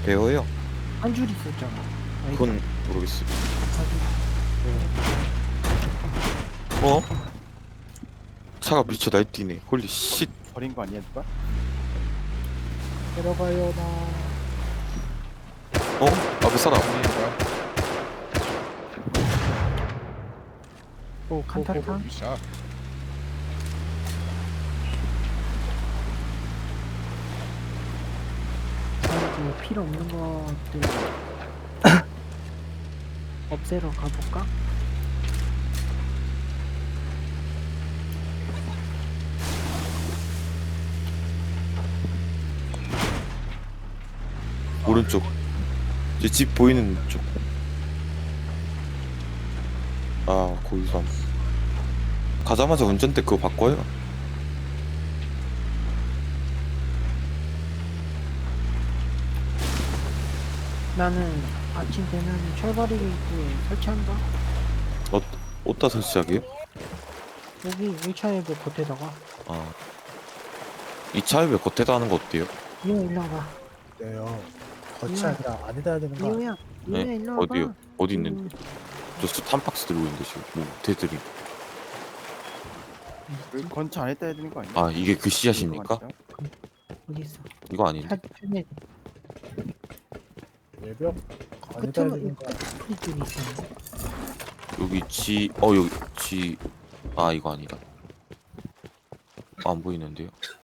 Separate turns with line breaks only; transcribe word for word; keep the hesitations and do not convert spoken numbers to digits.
배워요?
한 줄 있었잖아. 아니,
그건 모르겠어요.
한 줄.
어? 차가 미쳐 날뛰네. 홀리 쉿.
버린 거 아니야 누가?
들어가요 나.
어? 앞에 사람.
오 칸타타.
샷.
이제 필요 없는 것들 없애러 가볼까?
오른쪽. 이제 집 보이는 쪽. 아, 거기서. 가자마자 운전대 그거 바꿔요.
나는 아침 되면 철거리 입구에 설치한다.
어, 어디다 설치하게요?
여기 일 차에 그 겉에다가.
아. 이 차에 왜 겉에다 하는 거 어때요?
이호 일로 와봐.
네요. 겉이
음.
아니라 안에다 해야 되는 거 아니야?
이호야. 이호야
네?
일로 와봐.
어디요? 어디
음,
있는데? 저 스탄 박스 들고 있는데 지금. 뭐, 대들이.
그 건차 안에 따야 되는 거 아니야?
아, 이게 그 씨앗입니까?
어디 있어?
이거 아닌데?
사진에
외벽 안에다 해야
끝에
되는 거 아니야?
끝에 쪽에 있었는데.
여기 G, 어, 여기 G. 아, 이거 아니다. 안 보이는데요?